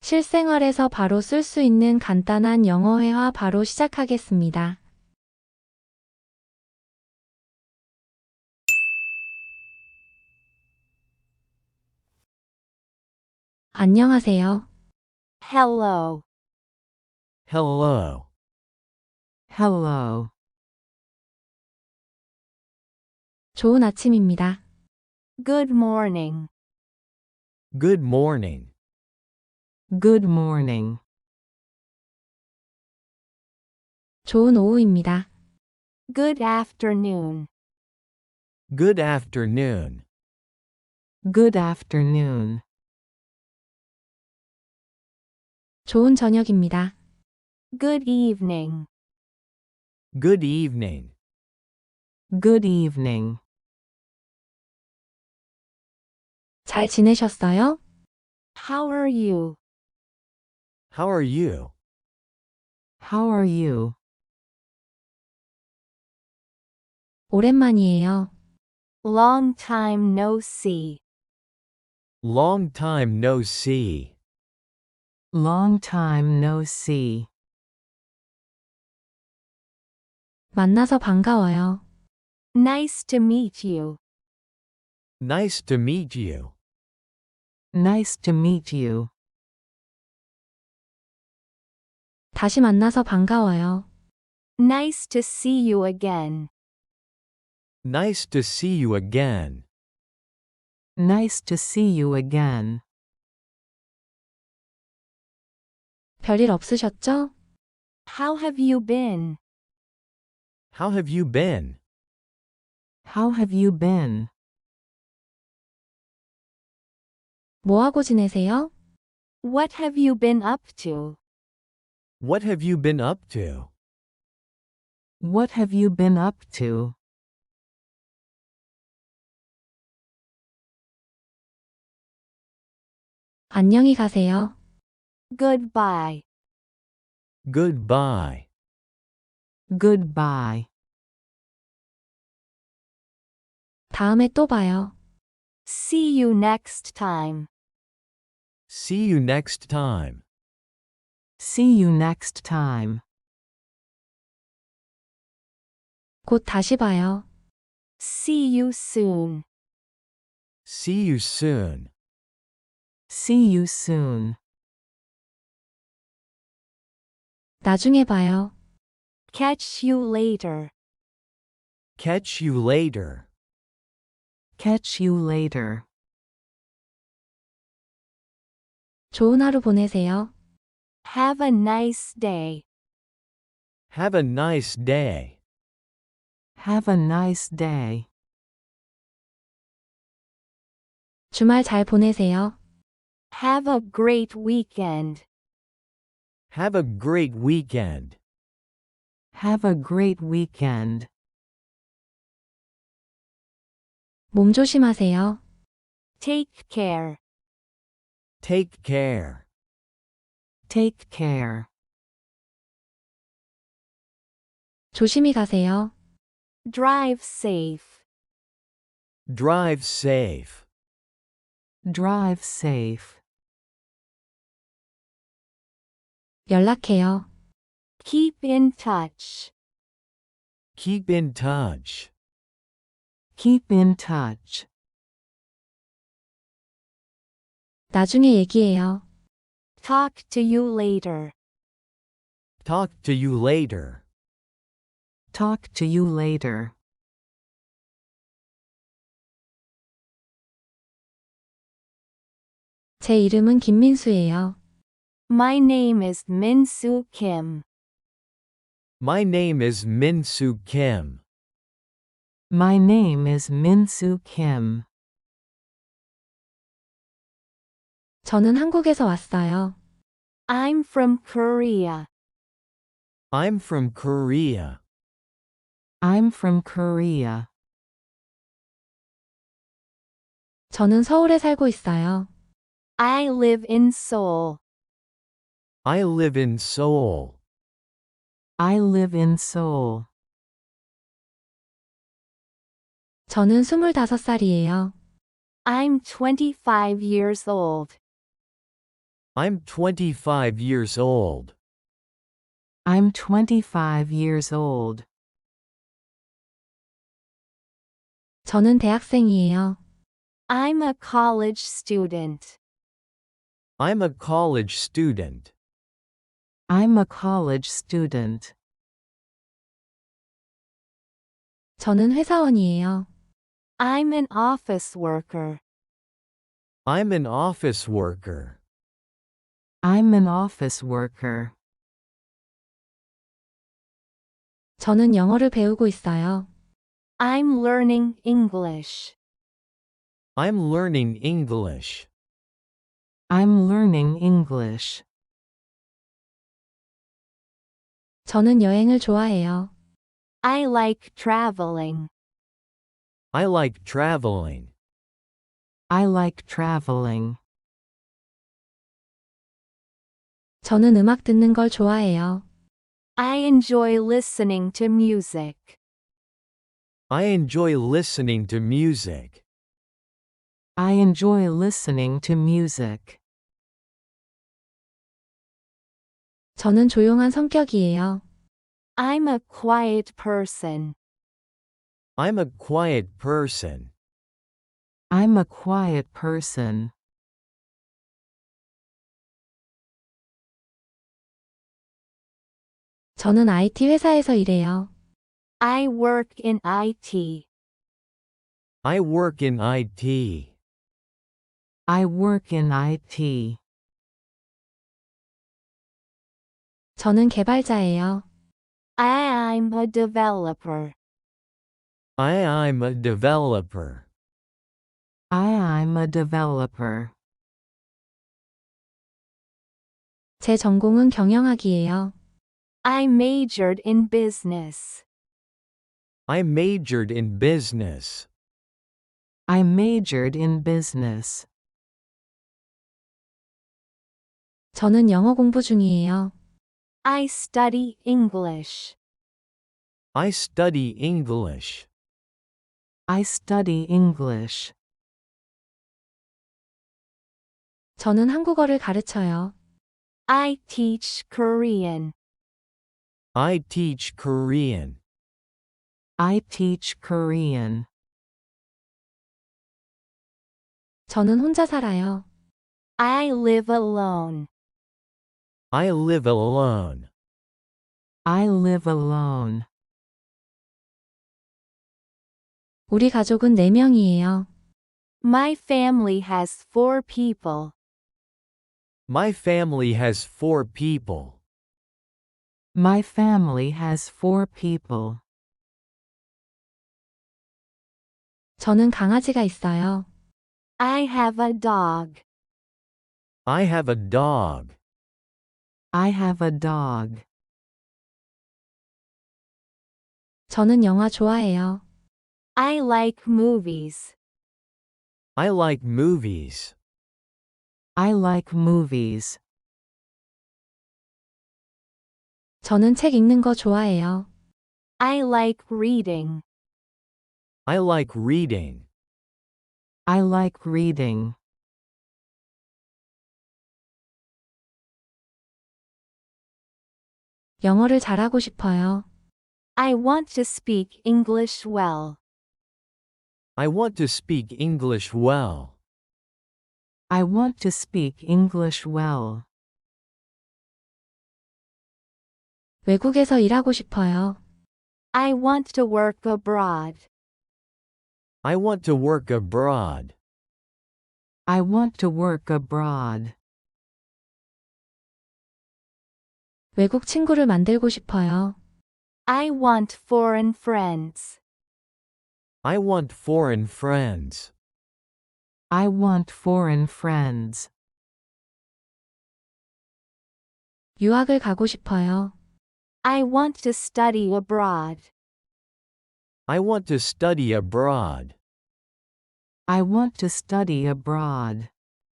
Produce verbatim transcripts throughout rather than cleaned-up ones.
실생활에서 바로 쓸 수 있는 간단한 영어 회화 바로 시작하겠습니다. 안녕하세요. Hello. Hello. Hello. 좋은 아침입니다. Good morning. Good morning. Good morning. 좋은 오후입니다. Good afternoon. Good afternoon. Good afternoon. 좋은 저녁입니다. Good evening. Good evening. Good evening. 잘 지내셨어요? How are you? How are you? How are you? 오랜만이에요. Long time no see. Long time no see. Long time no see. 만나서 반가워요. Nice to meet you. Nice to meet you. Nice to meet you. 다시 만나서 반가워요. Nice to see you again. Nice to see you again. Nice to see you again. 별일 없으셨죠? How have you been? How have you been? How have you been? 뭐하고 지내세요? What have you been up to? What have you been up to? What have you been up to? 안녕히 가세요. Goodbye. Goodbye. Goodbye. 다음에 또 봐요. See you next time. See you next time. See you next time. 곧 다시 봐요. See you soon. See you soon. See you soon. 나중에 봐요. Catch you later. Catch you later. Catch you later. 좋은 하루 보내세요. Have a nice day. Have a nice day. Have a nice day. 주말 잘 보내세요. Have a great weekend. Have a great weekend. Have a great weekend. 몸 조심하세요. Take care. Take care. Take care. 조심히 가세요. Drive safe. Drive safe. Drive safe. 연락해요. Keep in touch. Keep in touch. Keep in touch. 나중에 얘기해요. Talk to you later. Talk to you later. Talk to you later. 제 이름은 김민수예요. My name is Min-soo Kim. My name is Min-soo Kim. My name is Min-soo Kim. 저는 한국에서 왔어요. I'm from Korea. I'm from Korea. I'm from Korea. 저는 서울에 살고 있어요. I live in Seoul. I live in Seoul. I live in Seoul. 저는 스물다섯 살이에요. I'm twenty-five years old. I'm twenty-five years old. I'm twenty-five years old. 저는 대학생이에요. I'm a college student. I'm a college student. I'm a college student. 저는 회사원이에요. I'm an office worker. I'm an office worker. I'm an office worker. 저는 영어를 배우고 있어요. I'm learning English. I'm learning English. I'm learning English. 저는 여행을 좋아해요. I like traveling. I like traveling. I like traveling. 저는 음악 듣는 걸 좋아해요. I enjoy listening to music. I enjoy listening to music. I enjoy listening to music. 저는 조용한 성격이에요. I'm a quiet person. I'm a quiet person. I'm a quiet person. 저는 아이티 회사에서 일해요. I work in I T. I work in I T. I work in I T. 저는 개발자예요. I, I'm a developer. I, I'm a developer. I, I'm a developer. 제 전공은 경영학이에요. I majored in business. I majored in business. I majored in business. 저는 영어 공부 중이에요. I study English. I study English. I study English. 저는 한국어를 가르쳐요. I teach Korean. I teach Korean. I teach Korean. 저는 혼자 살아요. I live alone. I live alone. I live alone. 우리 가족은 네 명이에요. My family has four people. My family has four people. My family has four people. 저는 강아지가 있어요. I have a dog. I have a dog. I have a dog. 저는 영화 좋아해요. I like movies. I like movies. I like movies. 저는 책 읽는 거 좋아해요. I like reading. I like reading. I like reading. 영어를 잘하고 싶어요. I want to speak English well. I want to speak English well. I want to speak English well. 외국에서 일하고 싶어요. I want to work abroad. I want to work abroad. I want to work abroad. 외국 친구를 만들고 싶어요. I want foreign friends. I want foreign friends. I want foreign friends. 유학을 가고 싶어요. I want to study abroad. I want to study abroad. I want to study abroad.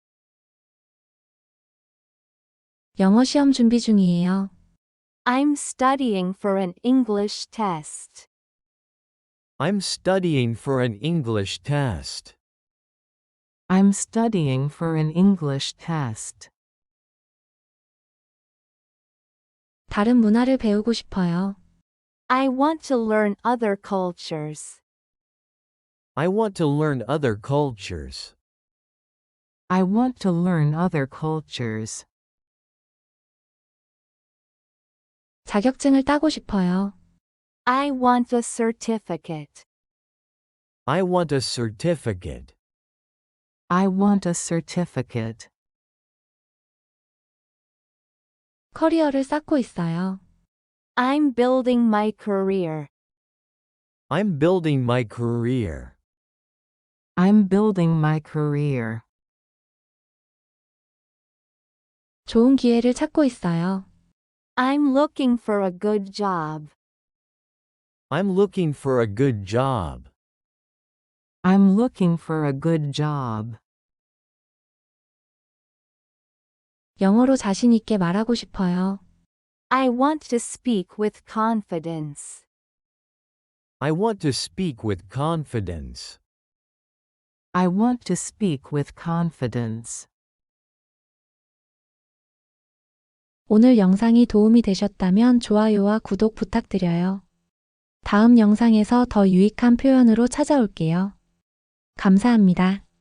영어 시험 준비 중이에요. I'm studying for an English test. I'm studying for an English test. I'm studying for an English test. 다른 문화를 배우고 싶어요. I want to learn other cultures. I want to learn other cultures. I want to learn other cultures. 자격증을 따고 싶어요. I want a certificate. I want a certificate. I want a certificate. 커리어를 쌓고 있어요. I'm building my career. I'm building my career. I'm building my career. 좋은 기회를 찾고 있어요. I'm looking for a good job. I'm looking for a good job. I'm looking for a good job. 영어로 자신 있게 말하고 싶어요. I want to speak with confidence. I want to speak with confidence. I want to speak with confidence. 오늘 영상이 도움이 되셨다면 좋아요와 구독 부탁드려요. 다음 영상에서 더 유익한 표현으로 찾아올게요. 감사합니다.